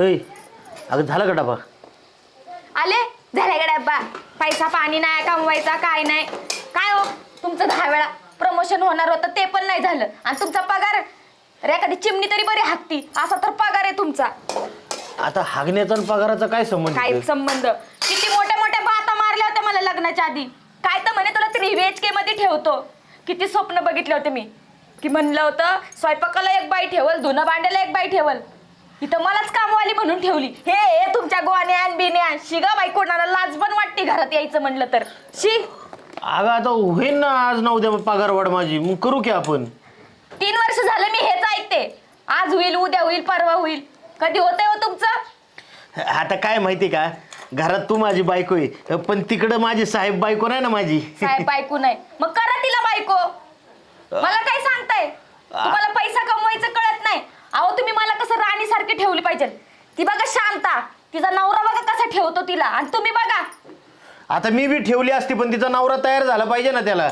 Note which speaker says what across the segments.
Speaker 1: ऐ अगं झालं का डबा?
Speaker 2: आले झाले का डब्बा? पैसा पाणी नाही कमवायचा काय नाही काय हो तुमचं 10 वेळा प्रमोशन होणार होतं ते पण नाही झालं आणि तुमचा पगार रे एखादी चिमणी तरी बरी हाकती असा तर पगार आहे तुमचा.
Speaker 1: आता हागण्याचा आणि पगाराचा काय संबंध?
Speaker 2: काय संबंध? किती मोठ्या मोठ्या बाता मारल्या होत्या मला लग्नाच्या आधी. काय तर म्हणे तुला 3 BHK मध्ये ठेवतो. किती स्वप्न बघितले होते मी की म्हणलं होतं स्वयंपाकाला एक बाई ठेवल धुणं भांड्याला एक बाई ठेवल इथं मलाच कामवाली म्हणून ठेवली. हे तुमच्या गोवान्यान बिन्या शिगा बाई कोणाला लाज पण वाटते घरात यायचं म्हणलं तर शी.
Speaker 1: अगं आता होईन ना आज ना उद्या पगार वाढ माझी, मग करू की आपण.
Speaker 2: 3 वर्ष झालं मी हेच ऐकते. आज होईल उद्या होईल परवा होईल. कधी होतंय हो तुमचं?
Speaker 1: आता काय माहिती का, घरात तू माझी बायको आहे पण तिकडं माझी साहेब बायको नाही ना माझी.
Speaker 2: साहेब बायको नाही मग करा तिला बायको. मला काय सांगताय? तुम्हाला पैसा कमवायचं कळत नाही. अहो तुम्ही मला कसं राणी सारखी ठेवली पाहिजे. ती बघा शांता तिचा नवरा बघा कसा ठेवतो तिला आणि तुम्ही बघा.
Speaker 1: आता मी बी ठेवली असती पण तिचा नवरा तयार झाला पाहिजे ना त्याला.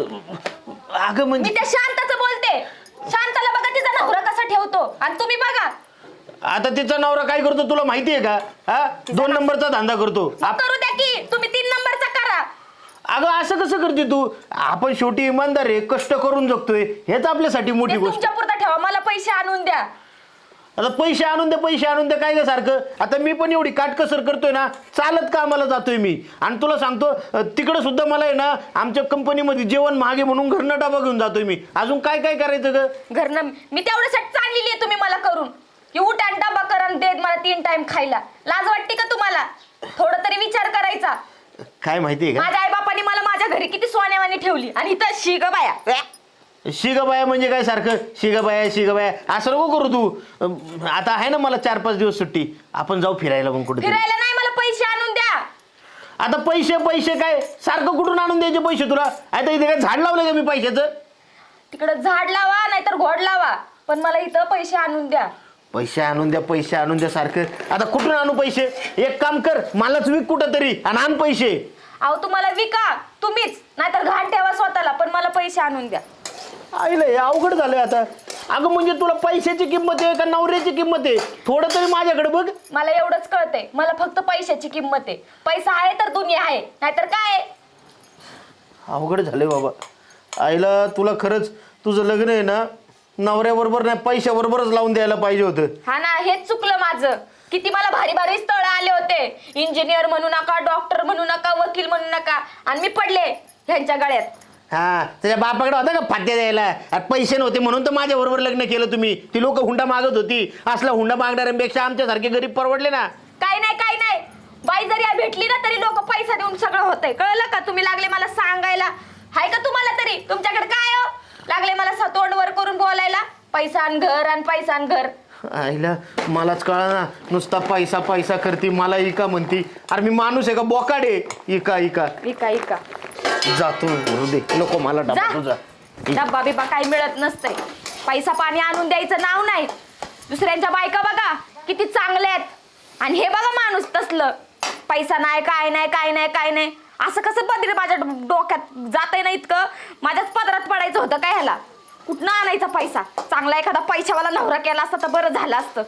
Speaker 1: अगं
Speaker 2: मी
Speaker 1: म्हणजे
Speaker 2: त्या शांताचं बोलते. शांताला बघा तिचा नवरा कसा ठेवतो आणि तुम्ही बघा.
Speaker 1: आता तिचा नवरा काय करतो तुला माहितीये का? हा 2 नंबरचा धंदा करतो.
Speaker 2: करू द्या की तुम्ही 3 नंबरचा करा.
Speaker 1: अगं असं कसं करते तू? आपण शेवटी इमानदार आहे, कष्ट करून जगतोय, हेच आपल्यासाठी मोठी गोष्ट.
Speaker 2: तुमच्या पुरता ठेवा मला पैसे आणून द्या.
Speaker 1: आता पैसे आणून दे पैसे आणून दे काय ग सारखं? आता मी पण एवढी काटकसर करतोय ना, चालत कामाला जातोय मी. आणि तुला सांगतो तिकडे सुद्धा मला आहे ना आमच्या कंपनीमध्ये जेवण महागे म्हणून घरनं डबा घेऊन जातोय मी. अजून काय काय करायचं ग?
Speaker 2: घरनं मी तेवढ्यासाठी चाललेली आहे तुम्ही मला करून की उठ आणि डबा करा आणि देत मला 3 टाइम खायला. लाज वाटते का तुम्हाला? थोडं तरी विचार करायचा.
Speaker 1: काय माहितीये का,
Speaker 2: माझ्या आई बापाने मला माझ्या घरी किती सोन्यावानी ठेवली आणि इथं शिग बाया.
Speaker 1: शिगबाया म्हणजे काय सारखं शिगबाया शिगबाया असं नको करू तू. आता आहे ना मला 4-5 दिवस सुट्टी, आपण जाऊ फिरायला मग कुठे.
Speaker 2: फिरायला नाही मला पैसे आणून द्या.
Speaker 1: आता पैसे पैसे काय सारखं कुठून आणून द्यायचे पैसे तुला? आता इथे काय झाड लावलं का मी पैशाचं?
Speaker 2: तिकडं झाड लावा नाहीतर घोड लावा पण मला इथं पैसे आणून द्या.
Speaker 1: पैसे आणून द्या पैसे आणून द्या सारखं. आता कुठून आणू पैसे? एक काम कर मलाच विक कुठं तरी आणि आण पैसे.
Speaker 2: अहो तुम्हाला विका तुम्हीच नाहीतर घाण ठेवा स्वतःला पण मला पैसे आणून द्या.
Speaker 1: आईला हे अवघड झालंय आता. अगं म्हणजे तुला पैशाची किंमत आहे का नवऱ्याची किंमत आहे? थोडं तरी माझ्याकडे बघ.
Speaker 2: मला एवढंच कळतंय मला फक्त पैशाची किंमत आहे. पैसा आहे तर दुनिया आहे नाहीतर काय.
Speaker 1: अवघड झालंय बाबा. आईला तुला खरंच तुझं लग्न आहे ना नवऱ्याबरोबर नाही पैशाबरोबरच लावून द्यायला पाहिजे होतं.
Speaker 2: हा ना हेच चुकलं माझं. किती मला भारी भारी स्थळ आले होते. इंजिनियर म्हणू नका डॉक्टर म्हणू नका वकील म्हणू नका आणि मी पडले ह्यांच्या गळ्यात.
Speaker 1: हा त्याच्या बापाकडे होता का फाट्या द्यायला? अरे पैसे नव्हते म्हणून तर माझ्या बरोबर लग्न केलं तुम्ही. ती लोक हुंडा मागत होती. असला हुंडा मागणाऱ्यांपेक्षा आमच्यासारखे गरीब परवडले ना.
Speaker 2: काय नाही बाई जरी भेटली ना तरी लोक पैसा देऊन सगळं होतंय. कळलं का? तुम्ही लागले मला सांगायला. हाय का तुम्हाला तरी? तुमच्याकडे काय हो लागले मला तोंड वर करून बोलायला? पैसा आणि घर आणि पैसा आणि घर.
Speaker 1: आईला मलाच कळा ना नुसता पैसा पैसा करते मला इका म्हणती. अरे मी माणूस आहे का बोकाडे? इका इका
Speaker 2: इका इका
Speaker 1: जातो दे नको मला डबा तुझा.
Speaker 2: डब्बा बिब्बा काही मिळत नसतंय. पैसा पाणी आणून द्यायचं नाव नाही. दुसऱ्यांच्या बायका बघा किती चांगल्या आहेत आणि हे बघा माणूस तसलं. पैसा नाही काय नाही काय नाही काय नाही असं कसं पदरी माझ्या डोक्यात जातंय ना इतकं. माझ्याच पदरात पडायचं होतं काय ह्याला? कुठनं आणायचा पैसा? चांगला एखादा पैशावाला नवरा केला असता तर बरं झालं असतं.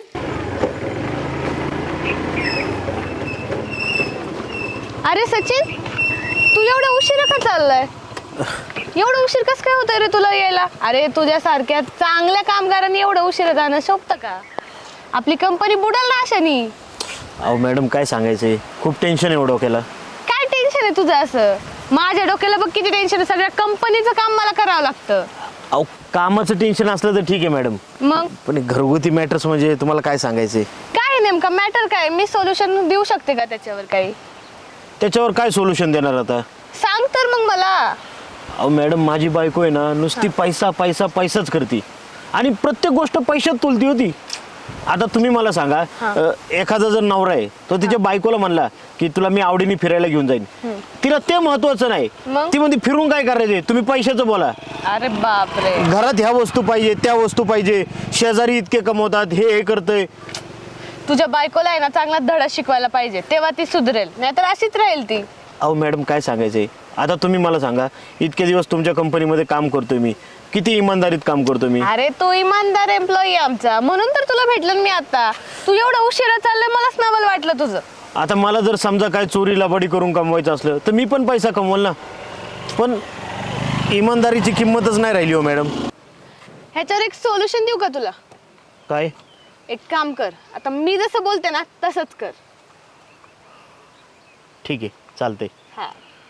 Speaker 3: अरे सचिन तू एवढा उशिरा का चाललाय? एवढं उशीर कसं काय होतंय रे तुला यायला? अरे तुझ्यासारख्या चांगल्या कामगारांनी एवढं उशिरा जाणं शोभतं का? आपली कंपनी बुडाल ना अशानी.
Speaker 1: अहो मॅडम काय सांगायचंय, खूप टेन्शन आहे डोक्याला.
Speaker 3: काय टेन्शन आहे तुझं असं? माझ्या डोक्याला बघ किती टेन्शन आहे. सगळ्या कंपनीचं काम मला करावं लागतं.
Speaker 1: अहो कामाचं टेन्शन असलं तर ठीक आहे मॅडम,
Speaker 3: मग
Speaker 1: पण घरगुती मॅटर्स म्हणजे तुम्हाला काय सांगायचंय?
Speaker 3: काय नेमका मॅटर काय? मी सोल्युशन देऊ शकते का त्याच्यावर काही?
Speaker 1: त्याच्यावर काय सोल्युशन देणार आता?
Speaker 3: सांग तर मग मला.
Speaker 1: अहो मॅडम माझी बायको आहे ना नुसती पैसा पैसा पैसाच करते आणि प्रत्येक गोष्ट पैशात तुलती होती. आता तुम्ही मला सांगा एखादा जर नवरा आहे तो तिच्या बायकोला म्हणला की तुला मी आवडीने फिरायला घेऊन जाईन, तिला ते महत्वाचं नाही. ती म्हणते फिरून काय करायचे, तुम्ही पैशाचं बोला.
Speaker 3: अरे बापरे.
Speaker 1: घरात ह्या वस्तू पाहिजे त्या वस्तू पाहिजे, शेजारी इतके कमवतात हे करतंय.
Speaker 3: तुझ्या बायकोला आहे ना चांगला धडा शिकवायला पाहिजे तेव्हा ती सुधरेल, नाहीतर अशीच राहील ती.
Speaker 1: अहो मॅडम काय सांगायचंय आता तुम्ही मला सांगा, इतके दिवस तुमच्या कंपनीमध्ये काम करतोय मी, किती इमानदारीत काम करतो मी.
Speaker 3: अरे तू इमानदार एम्प्लॉई आमचा, म्हणून तर तुला भेटलं मी आता. तू एवढं उशिरा चाललंय, मलाच नवल वाटलं तुझं.
Speaker 1: आता मला जर समजा काय चोरी लबाडी करून कमवायचं असलं तर मी पण पैसा कमवल ना, पण इमानदारीची किंमतच नाही राहिली हो मॅडम.
Speaker 3: ह्याच्यावर एक सोल्युशन देऊ का तुला?
Speaker 1: काय?
Speaker 3: एक काम कर, आता मी जसं बोलते ना तसंच कर.
Speaker 1: ठीक आहे, चालतंय.
Speaker 3: हा,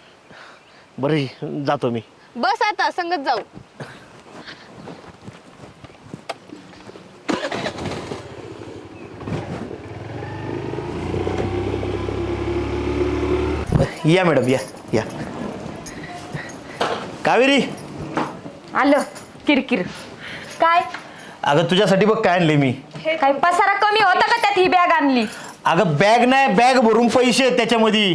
Speaker 1: बरं जातो मी.
Speaker 3: बस आता संगत जाऊ.
Speaker 1: या मॅडम, या या. कावेरी,
Speaker 2: आलं किरकिर. काय
Speaker 1: अगं तुझ्यासाठी बघ काय आणले मी.
Speaker 2: काय पसारा कमी होता का त्यात ही बॅग आणली?
Speaker 1: अगं बॅग नाही, बॅग भरून पैसे आहेत त्याच्यामध्ये.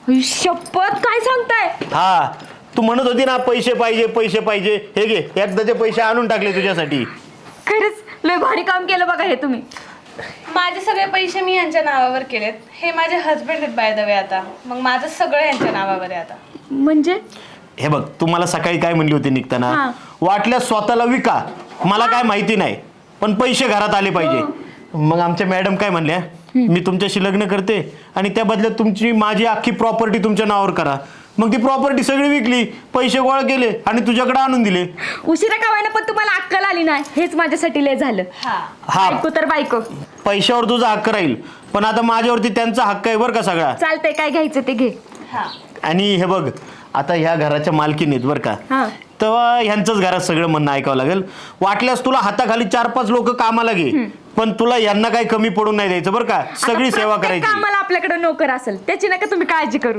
Speaker 2: शपथ, काय सांगताय?
Speaker 1: हा, तू म्हणत होती ना पैसे पाहिजे पैसे पाहिजे, हे घे एकदाचे पैसे आणून टाकले तुझ्यासाठी.
Speaker 2: खरंच लय भारी काम केलं बघा हे तुम्ही.
Speaker 3: माझे सगळे पैसे मी यांच्या नावावर केलेत. हे माझे हस्बंड आहेत बाय द वे. आता मग माझं सगळं यांच्या नावावर आहे आता.
Speaker 2: म्हणजे
Speaker 1: हे बघ, तू मला सकाळी काय म्हणली होती निघताना,
Speaker 2: हा.
Speaker 1: वाटल्यास स्वतःला विका, मला काय माहिती नाही, पण पैसे घरात आले पाहिजे. मग आमच्या मॅडम काय म्हणल्या, मी तुमच्याशी लग्न करते आणि त्या बदल्यात तुमची माझी अख्खी प्रॉपर्टी तुमच्या नावावर करा. मग ती प्रॉपर्टी सगळी विकली, पैसे गोळा केले आणि तुझ्याकडे आणून दिले.
Speaker 2: उशिरा का व्हायना, पण तुम्हाला अक्कल आली नाही, हेच माझ्यासाठी लय झालं.
Speaker 1: हा,
Speaker 2: बायको तर बायको.
Speaker 1: पैशावर तुझा हक्क राहील, पण आता माझ्यावरती त्यांचा हक्क आहे बरं का सगळा.
Speaker 2: चालतंय, काय घ्यायचं ते घे.
Speaker 1: आणि हे बघ, आता ह्या घराच्या मालकीण आहेत बरं का,
Speaker 2: हा.
Speaker 1: तेव्हा ह्यांचंच घरात सगळं म्हणणं ऐकावं लागेल. वाटल्यास तुला हाताखाली 4-5 लोक कामाला घे, पण तुला यांना काही कमी पडून नाही द्यायचं बरं का. सगळी सेवा करायची.
Speaker 2: आम्हाला आपल्याकडे नोकर असेल त्याची नका तुम्ही काळजी करू.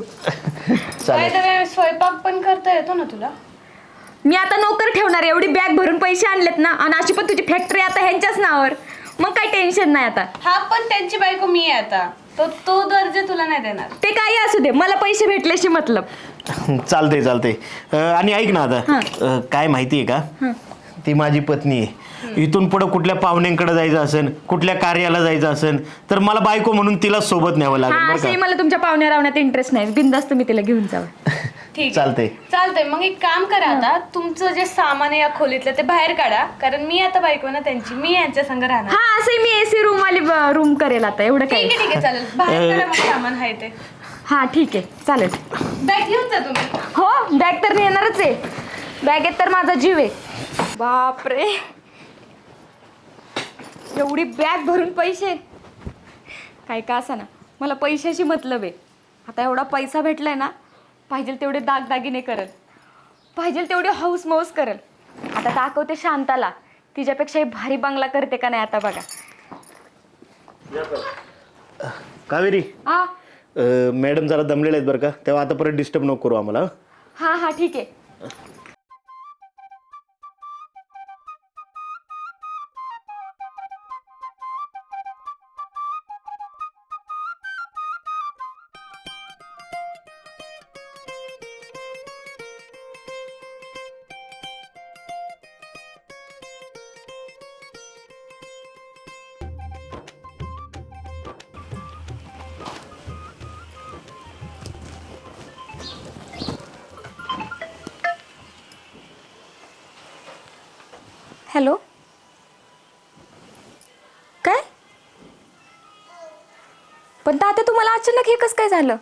Speaker 1: चालेल.
Speaker 3: स्वयंपाक पण करता येतो ना तुला?
Speaker 2: मी आता नोकर ठेवणार, एवढी बॅग भरून पैसे आणलेत ना, आणि अशी पण तुझी फॅक्टरी आता ह्यांच्याच नावावर, मग काही टेन्शन नाही आता.
Speaker 3: हा, पण त्यांची बायको मी आहे आता, तो दर्जा तुला नाही देणार.
Speaker 2: ते काही असू दे, मला पैसे भेटल्याशी मतलब.
Speaker 1: चालतंय चालतंय. आणि ऐक ना आता, काय माहितीये का, ती माझी पत्नी आहे. इथून पुढे कुठल्या पाहुण्यांकडे जायचं असेल, कुठल्या कार्याला जायचं असेल, तर मला बायको म्हणून तिला सोबत न्यावं लागेल
Speaker 2: हा,
Speaker 1: बरं
Speaker 2: असेही
Speaker 1: का.
Speaker 2: मला तुमच्या पाहुण्या रावण्यात इंटरेस्ट नाही, बिनधास्त तुम्ही तिला घेऊन जावं.
Speaker 3: ठीक
Speaker 1: चालतंय.
Speaker 3: चालतंय. मग एक काम करा, आता तुमचं जे सामान आहे या खोलीतलं ते बाहेर काढा, कारण मी आता बायको ना त्यांची, मी यांच्या संग राहणार.
Speaker 2: हा, असंही मी एसी रूम वाली रूम करेल आता, एवढं
Speaker 3: ठीक
Speaker 2: काही.
Speaker 3: आहे, ठीक आहे, चालेल. बाहेर काढा मग सामान आहे ते.
Speaker 2: हा ठीक आहे, चालेल.
Speaker 3: बॅग घेऊन जा तुम्ही.
Speaker 2: हो, बॅग तर नेणारच आहे, बॅगेत तर माझा जीव आहे. बापरे, एवढी बॅग भरून पैसे. काय का असा ना, मला पैशाशी मतलब आहे. आता एवढा पैसा भेटलाय ना, पाहिजे तेवढे दागदागिने करल, पाहिजे तेवढे हौस मौस करल. आता दाखवते शांताला, तिच्यापेक्षाही भारी बंगला करते का नाही आता बघा.
Speaker 1: कावेरी,
Speaker 2: हा
Speaker 1: मॅडम जरा दमलेले आहेत बरं का, तेव्हा आता परत डिस्टर्ब नको करू आम्हाला.
Speaker 2: हा हा, ठीक आहे. हॅलो, काय? पण तात्या तुम्हाला अचानक हे कसं काय झालं?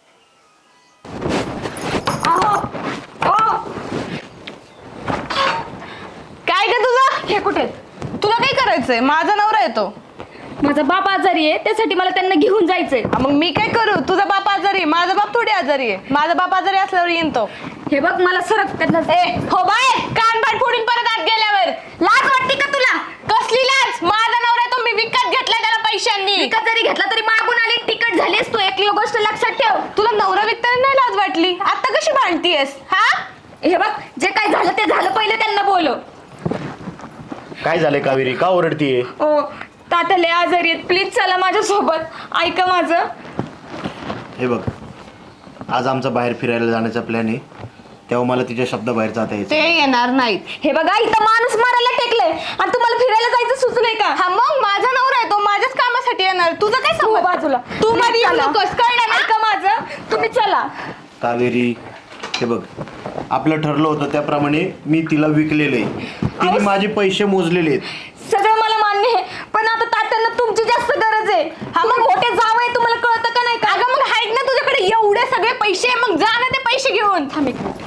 Speaker 3: काय ग तुझं?
Speaker 2: हे कुठे?
Speaker 3: तुला काय करायचंय? माझा नवरा येतो.
Speaker 2: माझा बाप आजारी आहे, त्यासाठी मला त्यांना घेऊन जायचंय.
Speaker 3: मग मी काय करू? तुझा बाप आजारी आहे, माझा बाप थोडी आजारी आहे. माझा बाप आजारी असल्यावर येईन तो.
Speaker 2: हे बघ, मला सरक त्यांना.
Speaker 3: हो बाय, कान पाठ फोडून परत आत गेल्यावर.
Speaker 2: लाज वाटते का तुला?
Speaker 3: कसली लाज? माझा नवरा तो मी विकत घेतलाय त्याला पैशांनी.
Speaker 2: विकत जरी घेतला तरी मागून आली तिकट झालीस तू. एक गोष्ट लक्षात ठेव.
Speaker 3: तुला नवरा विकताना नाही लाज वाटली? आता कशी भांडतीयस? हा,
Speaker 2: हे बघ, जे काय झालं ते झालं, पहिले त्यांना बोलव.
Speaker 1: काय झालंय कावेरी, का ओरडतीये?
Speaker 2: ओ तात्या लय आजारी आहेत, प्लीज चला माझ्यासोबत, ऐका माझं.
Speaker 1: हे बघ, आज आमचा बाहेर फिरायला जाण्याचा प्लॅन आहे, तेव्हा मला तिच्या शब्दाबाहेर जाता यायचं.
Speaker 3: ते येणार नाहीत.
Speaker 2: हे बघा, इथं माणूस मारायला टेकलंय आणि तुम्हाला फिरायला जायचं सुचलंय का?
Speaker 3: हा, मग माझा नवरा आहे तो माझ्याच कामासाठी येणार. तुझं काय
Speaker 2: तू
Speaker 3: समज?
Speaker 2: बाजूला,
Speaker 3: तू मध्ये येऊ
Speaker 2: चला.
Speaker 3: नकोस, कळलं ना?
Speaker 2: ऐका माझं, तुम्ही चला.
Speaker 1: कावेरी, हे बघ, आपलं ठरलं होतं त्याप्रमाणे मी तिला विकलेलं आहे. तिने माझे पैसे मोजलेले आहेत.
Speaker 2: सगळं मला मान्य आहे, पण आता तात्यांना तुमची जास्त गरज आहे. हा मग मोठे जाव आहे, तुम्हाला कळतं का नाही का?
Speaker 3: अगं मग आहेत ना तुझ्याकडे एवढे सगळे पैसे, मग जा ना ते पैसे घेऊन.
Speaker 2: थांब एक मिनिट.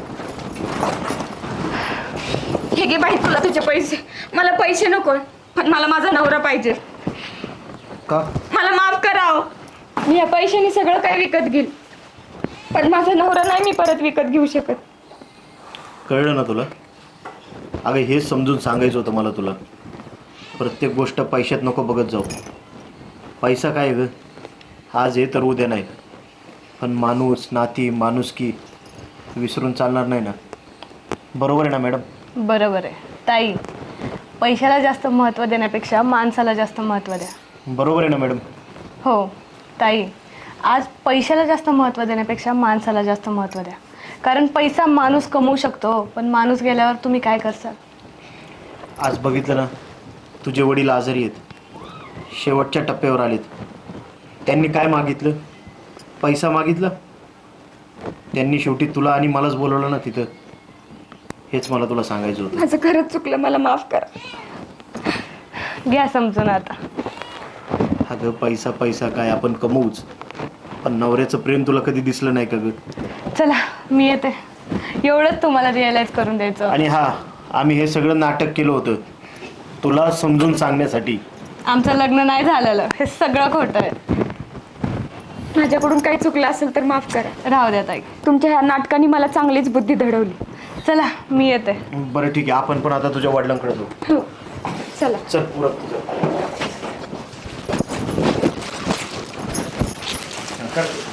Speaker 2: हे घे बाई तुला तुझे पैसे. मला पैसे नको, पण मला माझा नवरा पाहिजे.
Speaker 1: का?
Speaker 2: मला माफ करावं. मी या पैशाने सगळं काय विकत घेईल, पण माझा नवरा नाही मी परत विकत घेऊ शकत.
Speaker 1: कळलं ना तुला? अगं हेच समजून सांगायचं होतं मला तुला. प्रत्येक गोष्ट पैशात नको बघत जाऊ. पैसा काय ग, आज आहे तर उद्या नाही. पण माणूस, नाती, माणुसकी विसरून चालणार नाही ना. बरोबर आहे ना मॅडम?
Speaker 3: बरोबर आहे ताई, पैशाला जास्त महत्त्व देण्यापेक्षा माणसाला जास्त महत्त्व द्या.
Speaker 1: बरोबर आहे ना मॅडम?
Speaker 3: हो ताई, आज पैशाला जास्त महत्त्व देण्यापेक्षा माणसाला जास्त महत्त्व द्या. कारण पैसा माणूस कमवू शकतो, पण माणूस गेल्यावर तुम्ही काय करसाल?
Speaker 1: आज बघितलं ना, तुझे वडील आजारी आहेत, शेवटच्या टप्प्यावर आलेत. त्यांनी काय मागितलं? पैसा मागितला. त्यांनी शेवटी तुला आणि मलाच बोलवलं ना तिथं. हेच मला तुला सांगायचं होतं.
Speaker 2: माझं खरंच चुकलं, मला माफ करा.
Speaker 3: घ्या समजून आता.
Speaker 1: अगं पैसा पैसा काय आपण कमवूच, पण नवऱ्याचं प्रेम तुला कधी दिसलं नाही का ग?
Speaker 3: चला मी येते, एवढंच तुम्हाला रिअलाइज करून द्यायचं.
Speaker 1: आणि हा, आम्ही हे सगळं नाटक केलं होतं तुला समजून सांगण्यासाठी.
Speaker 3: आमचं लग्न नाही झालेलं, हे सगळं खोटं आहे.
Speaker 2: माझ्याकडून काही चुकलं असेल तर माफ करा.
Speaker 3: राहू द्या ताई,
Speaker 2: तुमच्या ह्या नाटकाने मला चांगलीच बुद्धी घडवली.
Speaker 3: चला मी येते.
Speaker 1: बरं ठीक आहे, आपण पण आता तुझ्या वडिलांकडे जाऊ.
Speaker 2: हो चला.
Speaker 1: चल उरक तुझं. कर.